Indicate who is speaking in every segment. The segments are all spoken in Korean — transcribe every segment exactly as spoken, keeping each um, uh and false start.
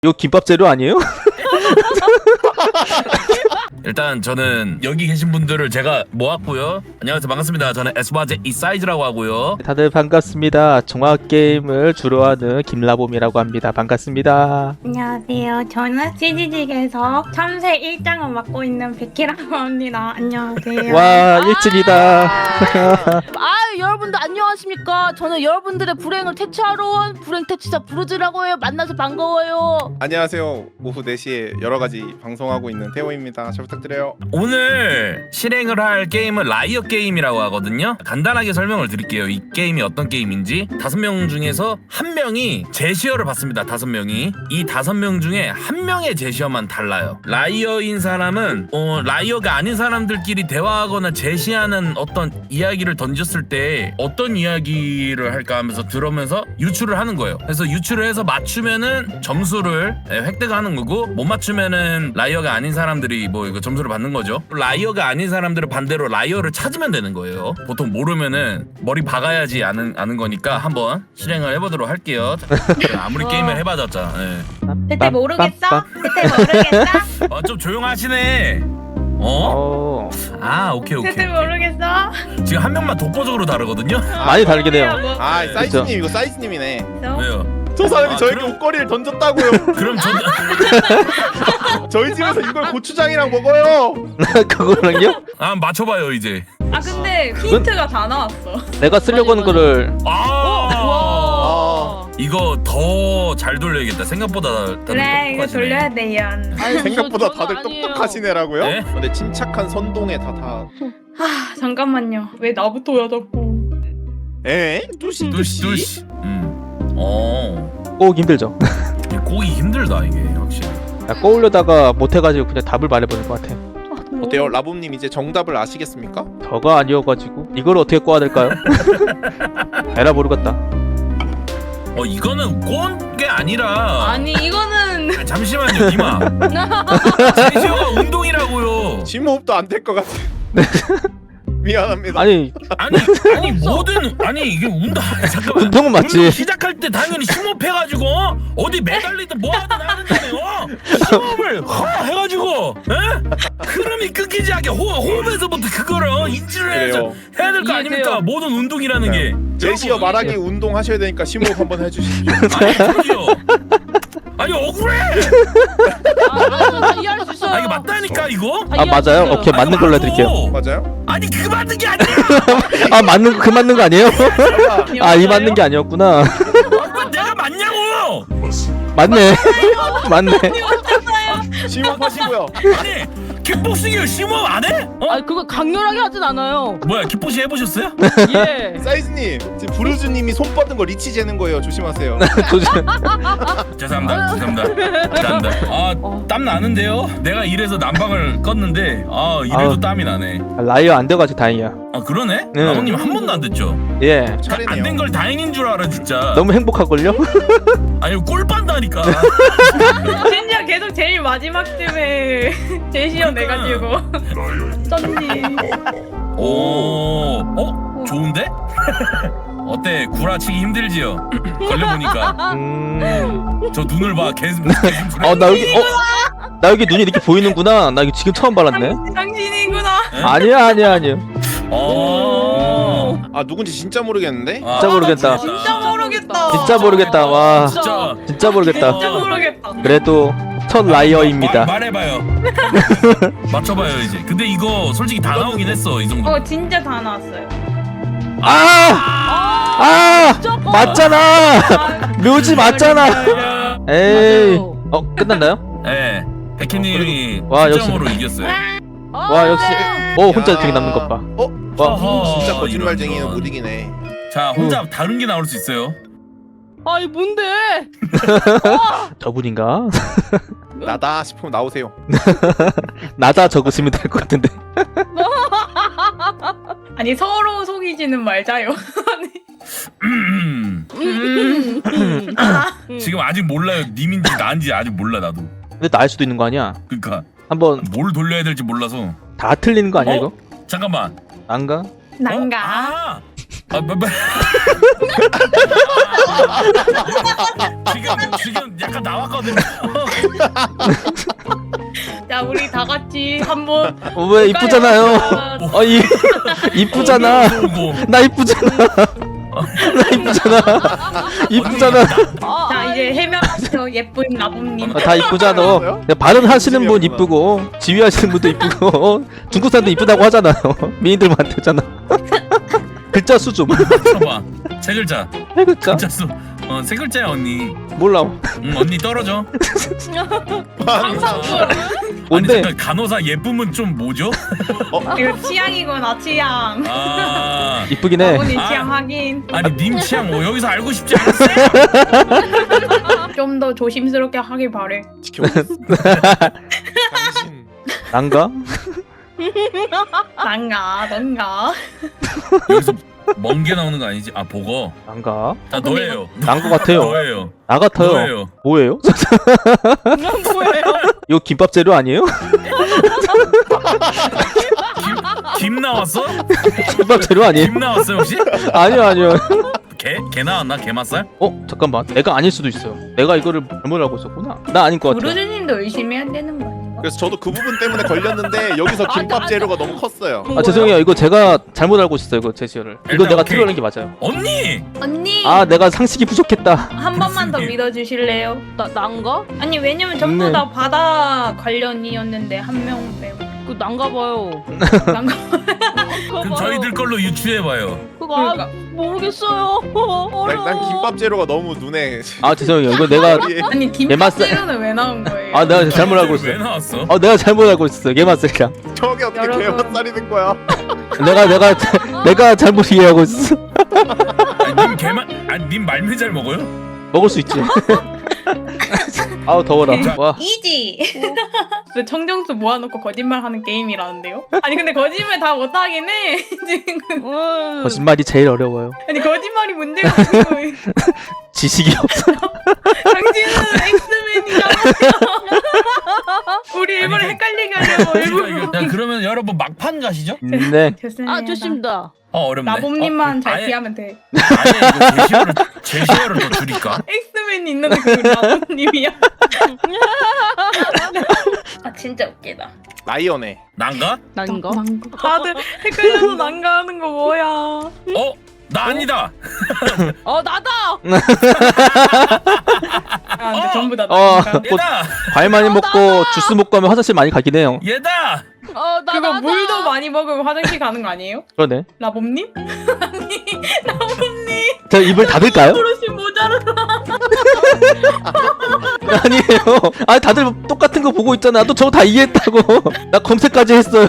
Speaker 1: 이거 김밥 재료 아니에요?
Speaker 2: 일단 저는 여기 계신 분들을 제가 모았고요. 안녕하세요, 반갑습니다. 저는 에스와제 이사이즈라고 하고요.
Speaker 1: 다들 반갑습니다. 종합게임을 주로 하는 김라봄이라고 합니다. 반갑습니다.
Speaker 3: 안녕하세요. 저는 씨지직에서 참새 일 장을 맡고 있는 베키라고 합니다. 안녕하세요.
Speaker 1: 와 일진이다.
Speaker 4: 아 여러분들 안녕하십니까. 저는 여러분들의 불행을 퇴치하러 온 불행 퇴치자 부르즈라고 해요. 만나서 반가워요.
Speaker 5: 안녕하세요. 오후 네 시에 여러가지 방송하고 있는 태호입니다. 잘 부탁드려요.
Speaker 2: 오늘 실행을 할 게임은 라이어 게임이라고 하거든요. 간단하게 설명을 드릴게요. 이 게임이 어떤 게임인지. 다섯 명 중에서 한 명이 제시어를 받습니다. 다섯 명이. 이 다섯 명 중에 한 명의 제시어만 달라요. 라이어인 사람은 어, 라이어가 아닌 사람들끼리 대화하거나 제시하는 어떤 이야기를 던졌을 때 어떤 이야기를 할까 하면서 들으면서 유추를 하는 거예요. 그래서 유추를 해서 맞추면은 점수를 획득하는 거고, 못 맞추면은 라이어가 아닌 사람들이 뭐 이거 점수를 받는 거죠. 라이어가 아닌 사람들은 반대로 라이어를 찾으면 되는 거예요. 보통 모르면은 머리 박아야지 아는 아는 거니까 한번 실행을 해보도록 할게요. 아무리 게임을 해봐졌자. 네.
Speaker 3: 그때 모르겠어? 그때 모르겠어?
Speaker 2: 어, 좀 조용하시네. 어?
Speaker 1: 어,
Speaker 2: 아 오케이 오케이.
Speaker 3: 그때 모르겠어?
Speaker 2: 지금 한 명만 독보적으로 다르거든요.
Speaker 1: 많이 다르긴 해요.
Speaker 3: 뭐,
Speaker 5: 아
Speaker 1: 그쵸.
Speaker 5: 사이즈님 이거 사이즈님이네.
Speaker 2: 왜요?
Speaker 5: 저 사람이
Speaker 2: 아,
Speaker 5: 저에게
Speaker 2: 그럼-
Speaker 5: 옷걸이를 던졌다고요.
Speaker 2: 그럼 저
Speaker 5: 저희 집에서 이걸 고추장이랑 먹어요.
Speaker 1: 그거랑요?
Speaker 2: 아 맞춰봐요 이제.
Speaker 3: 아 근데 힌트가 다 나왔어.
Speaker 1: 내가 쓰려고 하는 거를
Speaker 2: 아
Speaker 5: 아,
Speaker 2: 이거 더 잘 돌려야겠다. 생각보다 다들
Speaker 3: 그래 이거
Speaker 2: 똑똑하시네.
Speaker 3: 돌려야 돼요.
Speaker 4: 아니, 저-
Speaker 5: 생각보다
Speaker 4: 저는
Speaker 5: 다들
Speaker 4: 아니에요.
Speaker 5: 똑똑하시네라고요?
Speaker 2: 네?
Speaker 5: 근데 침착한 선동에 다 다.
Speaker 3: 아 잠깐만요. 왜 나부터야 자꾸.
Speaker 5: 에? 뚜시
Speaker 2: 뚜시
Speaker 5: 뚜시.
Speaker 2: 뚜시. 음. 어.
Speaker 1: 꼭 힘들죠.
Speaker 2: 꼬기 힘들다 이게 확실히.
Speaker 1: 야, 꼬우려다가 못해가지고 그냥 답을 말해보는 것 같아.
Speaker 5: 어때요, 라봄님 이제 정답을 아시겠습니까?
Speaker 1: 저가 아니어가지고 이걸 어떻게 꼬아야 될까요? 에라 모르겠다.
Speaker 2: 어 이거는 꼰 게 아니라.
Speaker 4: 아니 이거는
Speaker 2: 아, 잠시만요 이마. 제시어가 운동이라고요.
Speaker 5: 심호흡도 안 될 것 같아. 미안합니다.
Speaker 1: 아니
Speaker 2: 아니 아니 뭐든 아니 이게 운동 아니, 잠깐만.
Speaker 1: 운동은
Speaker 2: 운동
Speaker 1: 맞지.
Speaker 2: 시작할 때 당연히 심호흡해가지고 어? 어디 매달리든 뭐하든 하는데 어? 심호흡을 허 해가지고 에? 흐름이 끊기지 않게 호, 호흡에서부터 그거를 어? 인지를 해야죠.
Speaker 5: 그래요.
Speaker 2: 해야 될 거
Speaker 4: 이해돼요.
Speaker 2: 아닙니까? 모든 운동이라는 게.
Speaker 5: 제시어 말하기 운동 하셔야 되니까 심호흡 한번 해주십시오.
Speaker 2: 아니 저기요. 아니 억울해.
Speaker 4: 아, 아, 저 이해할 수 있어요.
Speaker 2: 아 이게 맞다니까 이거.
Speaker 1: 아 맞아요. 오케이
Speaker 2: 아,
Speaker 1: 맞는
Speaker 2: 이거
Speaker 1: 걸로
Speaker 2: 맞아.
Speaker 1: 해드릴게요.
Speaker 5: 맞아요?
Speaker 2: 아니 그 맞는 게 아니야.
Speaker 1: 아 맞는 그 맞는 거 아니에요? 아 이 맞는 게 아니었구나.
Speaker 2: 아, 그건 내가 맞냐고.
Speaker 1: 맞네. 맞네.
Speaker 5: 심호흡하시고요.
Speaker 2: 아니 킥복싱을 심호흡 안 해? 어?
Speaker 4: 아니 그거 강렬하게 하진 않아요.
Speaker 2: 뭐야 킥복싱 해보셨어요?
Speaker 4: 예.
Speaker 5: 사이즈님 지금 부르즈님이 손 뻗은 거 리치 재는 거예요. 조심하세요.
Speaker 1: 도저히-
Speaker 2: 죄송합니다. 죄송합니다. 죄송합니다.
Speaker 4: 어.
Speaker 2: 아, 땀 나는데요? 내가 이래서 난방을 껐는데 아, 이래도
Speaker 1: 아우.
Speaker 2: 땀이 나네.
Speaker 1: 아, 라이어 안 돼가지고 다행이야.
Speaker 2: 아, 그러네?
Speaker 1: 네.
Speaker 2: 나무님 한 번도 안 됐죠?
Speaker 1: 예.
Speaker 5: 차리네요.
Speaker 2: 안 된 걸 다행인 줄 알아, 진짜.
Speaker 1: 너무 행복할걸요?
Speaker 2: 아니, 꼴 빤다니까.
Speaker 3: 진짜 계속 제일 마지막쯤에 제시어 내가지고 쩐지.
Speaker 2: 오, 어? 좋은데? 어때? 구라치기 힘들지요? 걸려보니까.
Speaker 1: 음.
Speaker 2: 저 눈을 봐. 계속.
Speaker 1: 어 나 여기 어? 나 여기 눈이 이렇게 보이는구나. 나 이거 지금 처음 발랐네.
Speaker 3: 당신, 당신이구나.
Speaker 1: 아니야 아니야 아니야.
Speaker 2: 어.
Speaker 5: 아 누군지 진짜 모르겠는데?
Speaker 2: 아,
Speaker 1: 진짜 모르겠다.
Speaker 3: 진짜 모르겠다.
Speaker 1: 진짜 모르겠다. 와
Speaker 2: 진짜.
Speaker 1: 진짜 모르겠다.
Speaker 3: 진짜 모르겠다.
Speaker 1: 그래도 첫 라이어입니다.
Speaker 2: 마, 말해봐요. 맞춰봐요 이제. 근데 이거 솔직히 다 나오긴 했어 이 정도.
Speaker 3: 어 진짜 다 나왔어요.
Speaker 1: 아! 아!
Speaker 4: 진짜 뻔.
Speaker 1: 맞잖아. 묘지 맞잖아. 에이.
Speaker 4: 맞아요.
Speaker 1: 어 끝났나요?
Speaker 2: 예. 백희님이
Speaker 1: 와,
Speaker 2: 칠
Speaker 1: 역시.
Speaker 2: 점으로 이겼어요.
Speaker 4: 아,
Speaker 1: 와 역시.
Speaker 4: 네.
Speaker 1: 어 혼자
Speaker 5: 야.
Speaker 1: 되게 남는 것 봐.
Speaker 5: 어?
Speaker 1: 와.
Speaker 2: 어허,
Speaker 5: 진짜 거짓말쟁이는
Speaker 2: 이런,
Speaker 5: 못
Speaker 2: 이런.
Speaker 5: 이기네.
Speaker 2: 자 혼자 다른 게 나올 수 있어요.
Speaker 4: 아이 뭔데?
Speaker 1: 저분인가?
Speaker 5: 나다 싶으면 나오세요.
Speaker 1: 나다 적으시면 될 것 같은데.
Speaker 3: 아니 서로 속이지는 말자요.
Speaker 2: 음.
Speaker 4: 음, 음, 음.
Speaker 2: 지금 아직 몰라요. 님인지 나인지 아직 몰라 나도.
Speaker 1: 근데 나 알 수도 있는 거 아니야?
Speaker 2: 그러니까
Speaker 1: 한번
Speaker 2: 뭘 돌려야 될지 몰라서.
Speaker 1: 다 틀리는 거 아니야
Speaker 2: 어?
Speaker 1: 이거?
Speaker 2: 잠깐만.
Speaker 1: 안가?
Speaker 3: 난가.
Speaker 2: 어? 아 아, 뭐, 뭐. 지금 지금 약간 나왔거든요.
Speaker 3: 자 우리 다 같이 한번.
Speaker 1: 어, 왜 이쁘잖아요. 어, 이 이쁘잖아.
Speaker 2: 오고.
Speaker 1: 나 이쁘잖아. 나 이쁘잖아. 이쁘잖아.
Speaker 4: 아,
Speaker 3: 자 이제 해명하세요 예쁜 나봄님.
Speaker 1: 어, 다 이쁘잖아. 발음 하시는 분 이쁘고 지휘하시는 분도 이쁘고 중국 사람도 이쁘다고 하잖아요. 미인들만 되잖아. 글자 수 좀.
Speaker 2: 봐봐. 세 글자.
Speaker 1: 세 글자?
Speaker 2: 글자 수. 어, 세 글자야 언니.
Speaker 1: 몰라.
Speaker 2: 응, 언니 떨어져.
Speaker 3: 상상도.
Speaker 2: 아니
Speaker 1: 뭔데?
Speaker 2: 잠깐 간호사 예쁨은 좀 뭐죠?
Speaker 3: 이거 취향이구나 취향.
Speaker 2: 아.
Speaker 1: 이쁘긴 해.
Speaker 3: 나본인
Speaker 2: 아.
Speaker 3: 취향 확인.
Speaker 2: 아니 님 취향 뭐 여기서 알고 싶지 않았어요?
Speaker 3: 좀 더 조심스럽게 하길 바래.
Speaker 5: 지켜보겠어. 당신
Speaker 1: 난가?
Speaker 3: 난가 넌가.
Speaker 2: 여기서 먼 게 나오는 거 아니지? 아 보거.
Speaker 1: 난가?
Speaker 2: 다 너예요.
Speaker 1: 난 거 같아요.
Speaker 2: 너예요.
Speaker 1: 나 같아요.
Speaker 2: 너예요.
Speaker 1: 뭐예요?
Speaker 3: 뭐예요?
Speaker 1: 이거 김밥 재료 아니에요?
Speaker 2: 김 나왔어?
Speaker 1: 김밥 재료 아니에요?
Speaker 2: 김 나왔어 혹시?
Speaker 1: 아니요 아니요.
Speaker 2: 개? 개 나왔나? 게맛살?
Speaker 1: 어 잠깐만. 내가 아닐 수도 있어요. 내가 이거를 잘못 알고 있었구나. 나 아닌 것 같아.
Speaker 3: 부르주님도 의심해야 되는 거 아닌가?
Speaker 5: 그래서 저도 그 부분 때문에 걸렸는데 여기서 김밥 재료가 너무 컸어요.
Speaker 1: 아 죄송해요. 이거 제가 잘못 알고 있었어요. 이거 제시어를. 이거
Speaker 2: 일단
Speaker 1: 내가
Speaker 2: 오케이.
Speaker 1: 틀어낸 게 맞아요.
Speaker 2: 언니!
Speaker 3: 언니
Speaker 1: 아 내가 상식이 부족했다.
Speaker 3: 한 번만 더
Speaker 2: 교수님.
Speaker 3: 믿어주실래요?
Speaker 4: 나 난가?
Speaker 3: 아니 왜냐면 전부
Speaker 1: 네.
Speaker 3: 다 바다 관련이었는데 한 명 빼고.
Speaker 4: 그 난가 봐요.
Speaker 3: 난가.
Speaker 2: 그럼 저희들 걸로 유추해봐요.
Speaker 4: 그거 아,
Speaker 3: 그러니까.
Speaker 4: 모르겠어요. 어려워.
Speaker 5: 난, 난 김밥 재료가 너무 눈에.
Speaker 1: 아 죄송해요. 이거 내가
Speaker 5: 머리에.
Speaker 3: 아니
Speaker 1: 얘
Speaker 3: 김밥
Speaker 1: 맛살-
Speaker 3: 재료는 왜 나온 거예요?
Speaker 1: 아 내가 잘못 알고
Speaker 2: 왜
Speaker 1: 있어.
Speaker 2: 나왔어?
Speaker 1: 어 내가 잘못 알고 있었어. 게맛살이랑.
Speaker 5: 저게 어떻게
Speaker 3: 여러분.
Speaker 5: 개맛살이 된 거야?
Speaker 1: 내가 내가 내가 잘못 이해하고 있어.
Speaker 2: 아니, 님 개만 아니 님 말미 잘 먹어요?
Speaker 1: 먹을 수 있지. 아우 더워라. 와.
Speaker 3: 이지. 왜 청정수 모아놓고 거짓말하는 게임이라는데요? 아니 근데 거짓말 다 못하긴 해 지금.
Speaker 4: 음.
Speaker 1: 거짓말이 제일 어려워요.
Speaker 3: 아니 거짓말이 문제가 아니고
Speaker 1: 지식이 없어.
Speaker 3: 당신은 엑스맨이잖아요. 우리 일부러
Speaker 2: 아니,
Speaker 3: 헷갈리게 하려고 일부러.
Speaker 2: 야 그러면 여러분 막판 가시죠?
Speaker 1: 네.
Speaker 3: 됐습니다.
Speaker 4: 아 좋습니다.
Speaker 2: 어 어렵네.
Speaker 3: 나봄님만
Speaker 2: 어,
Speaker 3: 잘
Speaker 2: 아예-
Speaker 3: 피하면 돼.
Speaker 2: 아예 이거 제시어를 제시어를 더 줄일까?
Speaker 3: 엑스맨이 있는데 그 나봄님이야. 아 진짜 웃기다.
Speaker 5: 라이언에.
Speaker 2: 난가?
Speaker 4: 난가?
Speaker 3: 다들 헷갈려서 난가하는 거 뭐야?
Speaker 2: 어? 나 아니다.
Speaker 4: 어 나다.
Speaker 3: 아 근데
Speaker 2: 어!
Speaker 3: 전부 다
Speaker 1: 어.
Speaker 3: 난가.
Speaker 1: 뭐,
Speaker 2: 얘다.
Speaker 1: 과일 많이 먹고 주스 먹고 하면 화장실 많이 가긴 해요.
Speaker 2: 얘다.
Speaker 4: 어나
Speaker 3: 그거
Speaker 4: 나다.
Speaker 3: 물도 많이 먹으면 화장실 가는 거 아니에요?
Speaker 1: 그러네.
Speaker 3: 나봄님? 아니 나봄님
Speaker 1: 자 입을 닫을까요?
Speaker 3: 그릇이 모자르다.
Speaker 1: 아니에요. 아 다들 똑같은 거 보고 있잖아. 또 저거 다 이해했다고. 나 검색까지 했어요.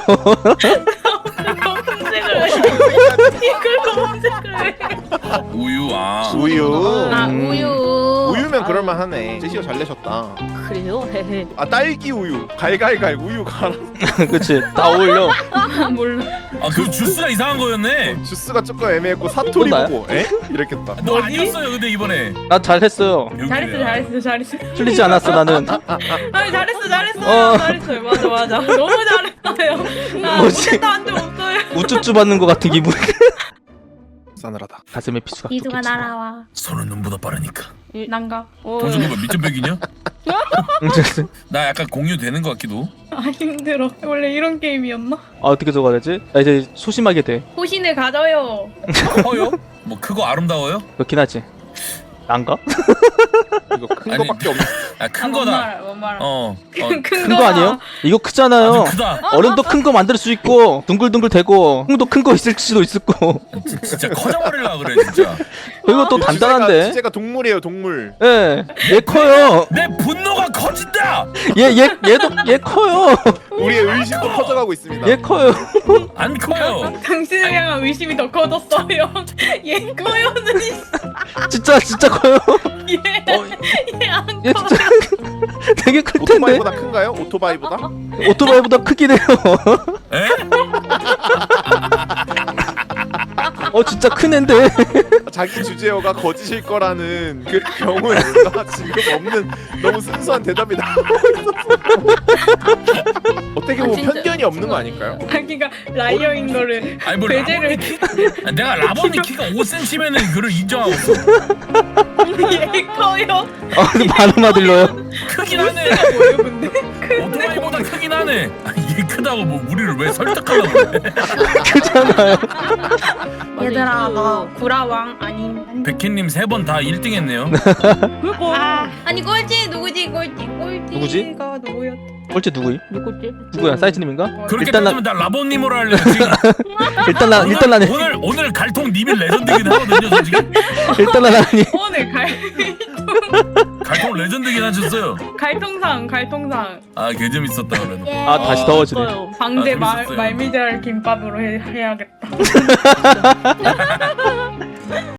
Speaker 3: 검색을 해. 이걸 검색을 해.
Speaker 2: 우유 아.
Speaker 5: 우유.
Speaker 3: 아
Speaker 1: 음.
Speaker 3: 우유.
Speaker 5: 우유면 그럴만하네. 제시어 잘 내셨다.
Speaker 4: 그래요? 헤헤.
Speaker 5: 아 딸기 우유. 갈갈갈 우유 갈아.
Speaker 1: 그치. 다 어울려.
Speaker 3: 아, 몰라.
Speaker 2: 아그 주스가 이상한 거였네.
Speaker 5: 주스가 조금 애매했고 사토리
Speaker 1: 또 나야?
Speaker 5: 보고 에? 이랬겠다.
Speaker 2: 너 아니었어요 근데 이번에.
Speaker 1: 나 잘했어요.
Speaker 3: 잘했어 잘했어 잘했어.
Speaker 1: 틀리지 않았어 나는.
Speaker 3: 아니 잘했어 잘했어
Speaker 1: 어.
Speaker 3: 잘했어요. 맞아 맞아. 너무 잘했어요. 나
Speaker 1: 뭐지?
Speaker 3: 못했다 한 적 없어요.
Speaker 1: 우쭈쭈 받는 것 같은 기분.
Speaker 5: 싸늘하다.
Speaker 1: 가슴에 피수가
Speaker 3: 기수가
Speaker 1: 돋겠지.
Speaker 3: 날아와.
Speaker 2: 손은 눈보다 빠르니까.
Speaker 3: 난가.
Speaker 4: 어.
Speaker 2: 동준이 뭐 밑점백이냐?
Speaker 1: 응, 됐어.
Speaker 2: 나 약간 공유되는 것 같기도.
Speaker 3: 아 힘들어. 원래 이런 게임이었나?
Speaker 1: 아 어떻게 적어야 되지? 나 이제 소심하게 돼.
Speaker 3: 호신을 가져요.
Speaker 2: 커요? 뭐 크고 아름다워요?
Speaker 1: 그렇긴 하지. 난가?
Speaker 5: 이거 큰
Speaker 2: 아니,
Speaker 5: 거밖에 없네.
Speaker 2: 아 큰
Speaker 3: 아, 뭔
Speaker 2: 거다.
Speaker 3: 말, 뭔 말.
Speaker 2: 어. 어.
Speaker 3: 큰, 큰,
Speaker 1: 큰 거 아니에요? 이거 크잖아요.
Speaker 2: 아주 크다.
Speaker 1: 얼음도 큰 거 만들 수 있고 둥글둥글 되고 콩도 큰 거 있을 수도 있을 거.
Speaker 2: 진- 진짜 커져버리려 그래 진짜.
Speaker 1: 그리고 또 단단한데.
Speaker 5: 주제가 동물이에요 동물.
Speaker 1: 예, 얘 커요.
Speaker 2: 내 분노가 커진다.
Speaker 1: 얘, 얘, 얘도 얘 커요.
Speaker 5: 우리의 의식도 커져가고 있습니다.
Speaker 1: 얘 커요.
Speaker 2: 안 커요.
Speaker 3: 당신을 향한 의심이 더 커졌어요. 얘 커요는
Speaker 1: 진짜 진짜 커요.
Speaker 3: 얘안
Speaker 1: 얘
Speaker 3: 커.
Speaker 1: 진짜 되게 클 텐데.
Speaker 5: 오토바이보다 큰가요? 오토바이보다?
Speaker 1: 오토바이보다 크긴 해요.
Speaker 2: 에?
Speaker 1: 어 진짜 큰 앤데.
Speaker 5: 자기 주제어가 거짓일 거라는 그 경우에가 지금 없는 너무 순수한 대답이 나오고 있었어. 어떻게 보면
Speaker 3: 아, 진짜.
Speaker 5: 편견이 기준이 없는 거 아닐까요?
Speaker 3: 자기가 라이어인 거를
Speaker 2: 아니 뭐
Speaker 3: 배제를-
Speaker 2: 라본이 키 아니, 내가 라본이 키가 오 센티미터면은 그걸 인정하고 있어.
Speaker 3: 얘 커요.
Speaker 1: 아 근데 발음만 들려요.
Speaker 2: 크긴 하네.
Speaker 3: 뭐예요 근데?
Speaker 2: 오토바이보다 크긴 하네. 아니, 이게 크다고 뭐 우리를 왜 설득하려고 그래?
Speaker 1: 크잖아요.
Speaker 3: 얘들아 너 구라왕 아님.
Speaker 2: 백희님 세 번 다 일 등 했네요.
Speaker 4: 그거
Speaker 3: 아 아니 꼴찌 누구지 꼴찌 꼴찌가
Speaker 1: 누구지?
Speaker 3: 누구였?
Speaker 1: 꼴찌 누구임?
Speaker 4: 누구지?
Speaker 1: 누구야? 사이즈님인가?
Speaker 2: 그렇게
Speaker 1: 일단 나-
Speaker 2: 따지면 나 라본님으로 할래요. 지금
Speaker 1: 일단 나 일단 나는
Speaker 2: 오늘 오늘 갈통 님이 레전드긴 하거든요. 저 지금
Speaker 1: 일단 나는
Speaker 3: 오늘 갈
Speaker 2: 갈통 레전드긴 하셨어요.
Speaker 3: 갈통상 갈통상
Speaker 2: 아 개 재밌었다 그래도.
Speaker 1: 아 다시 더워지네.
Speaker 4: 있어요.
Speaker 3: 방제
Speaker 2: 아,
Speaker 3: 말
Speaker 2: 재밌었어요.
Speaker 3: 말미잘 김밥으로 해, 해야겠다.